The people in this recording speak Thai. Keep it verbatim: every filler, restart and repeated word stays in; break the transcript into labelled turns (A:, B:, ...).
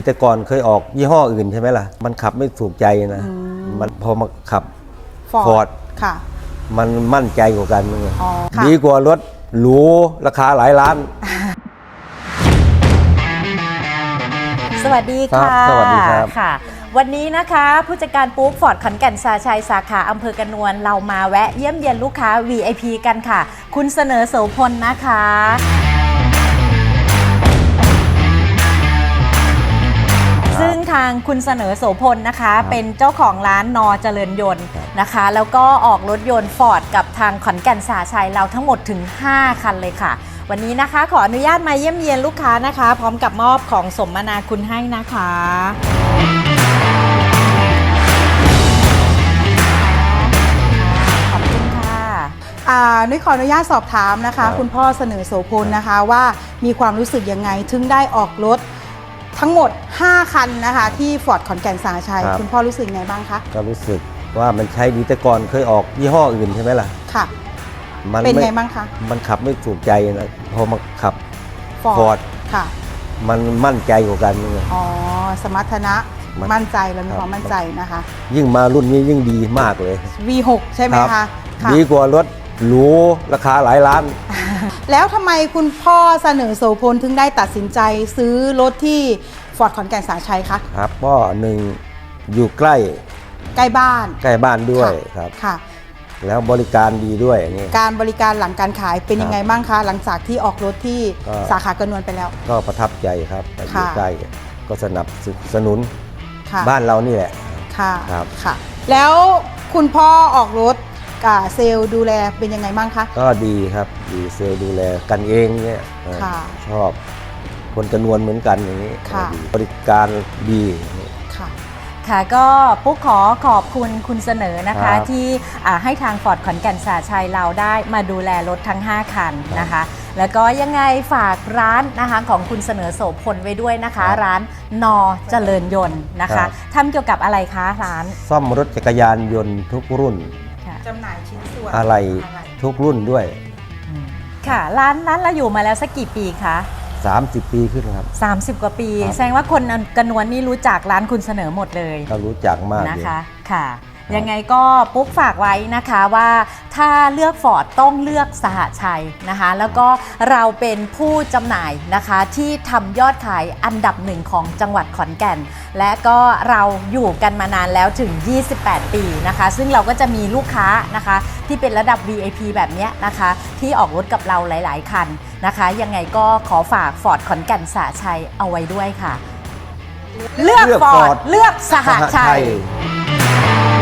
A: แต่ก่อนเคยออกยี่ห้ออื่นใช่ไหมล่ะมันขับไม่ถูกใจนะมันพอมาขับฟอร์ด
B: ค่ะ
A: มันมั่นใจกว่ากัน
B: ดี
A: กว่ารถหรูราคาหลายล้าน
B: สวัสดีค่ะ
A: สวัสดีครับ
B: ค่ะวันนี้นะคะผู้จัดการปุ๊กฟอร์ดขอนแก่นสาชัยสาขาอำเภอกระนวนเรามาแวะเยี่ยมเยียนลูกค้า วี ไอ พี กันค่ะคุณเสนอโสพลนะคะซึ่งทางคุณเสนอโสพลนะคะเป็นเจ้าของร้านนอเจริญยนต์นะคะแล้วก็ออกรถยนต์ฟอร์ดกับทางขอนแก่นสาชัยเราทั้งหมดถึงห้าคันเลยค่ะวันนี้นะคะขออนุญาตมาเยี่ยมเยียนลูกค้านะคะพร้อมกับมอบของสมนาคุณให้นะคะขอบคุณค่ะ
C: นุ้ยขออนุญาตสอบถามนะคะคุณพ่อเสนอโสพลนะคะว่ามีความรู้สึกยังไงถึงได้ออกรถทั้งหมดห้าคันนะคะที่ฟอร์ดขอนแก่นสาชัยคุณพ่อรู้สึกไงบ้างคะ
A: ก็รู้สึกว่ามันใช้ดีแต่ก่อนเคยออกยี่ห้ออื่นใช่ไหมล่ะ
C: ค่ะเป็นไงบ้างคะ
A: มันขับไม่ถูกใจนะพอมาขับ
C: ฟอร์ดค่ะ
A: มันมั่นใจกว่ากัน
C: อ๋อสมรรถนะมั่นใจแล้วมีความมั่นใจนะคะ
A: ยิ่งมารุ่นนี้ยิ่งดีมากเลย
C: วี หก ใช่ไหมคะ
A: ดีกว่ารถหรูราคาหลายล้าน
C: แล้วทำไมคุณพ่อเสนอโสพลถึงได้ตัดสินใจซื้อรถที่ฟอร์ดขอนแก่นสาชัยคะ
A: ครับก็หนึ่งอยู่ใกล้
C: ใกล้บ้าน
A: ใกล้บ้านด้วยครับ
C: ค่ะ
A: แล้วบริการดีด้วยอย่างนี้
C: การบริการหลังการขายเป็นยังไงบ้างคะหลังจากที่ออกรถที่สาขากระนวนไปแล้ว
A: ก็ประทับใจครับอยู่ใกล้ก็สนับสนุนบ้านเรานี่แหละ
C: ค่ะครับค่ะแล้วคุณพ่อออกรถกับเซลล์ดูแลเป็นยังไงบ้างคะ
A: ก็ดีครับดีเซลล์ดูแลกันเองเนี่ยชอบคนกระนวนเหมือนกันอย่างนี้บริการดี
B: ค่ะค่ะก็ปุ๊กขอขอบคุณคุณเสนอนะคะที่ให้ทางฟอร์ดขอนแก่นสาชัยเราได้มาดูแลรถทั้งห้าคันนะคะแล้วก็ยังไงฝากร้านนะคะของคุณเสนอโสพลไว้ด้วยนะคะร้านนอเจริญยนต์นะคะทำเกี่ยวกับอะไรคะร้าน
A: ซ่อมรถจักรยานยนต์ทุกรุ่น
C: จำหน่ายชิ้นส่วน
A: อะไรทุกรุ่นด้วย
B: ค่ะร้านร้านเราอยู่มาแล้วสักกี่ปีคะ
A: สามสิบปีขึ้นครับ
B: สามสิบกว่าปีแสดงว่าคนกระนวนนี่รู้จักร้านคุณเสนอหมดเลย
A: ก็รู้จักมาก
B: นะคะค่ะยังไงก็ปุ๊กฝากไว้นะคะว่าถ้าเลือกฟอร์ดต้องเลือกสหชัยนะคะแล้วก็เราเป็นผู้จำหน่ายนะคะที่ทำยอดขายอันดับหนึ่งของจังหวัดขอนแก่นและก็เราอยู่กันมานานแล้วถึงยี่สิบแปดปีนะคะซึ่งเราก็จะมีลูกค้านะคะที่เป็นระดับ วี ไอ พี แบบนี้นะคะที่ออกรถกับเราหลายๆคันนะคะยังไงก็ขอฝากฟอร์ดขอนแก่นสหชัยเอาไว้ด้วยค่ะเลือกฟอร์ดเลือกสหชัย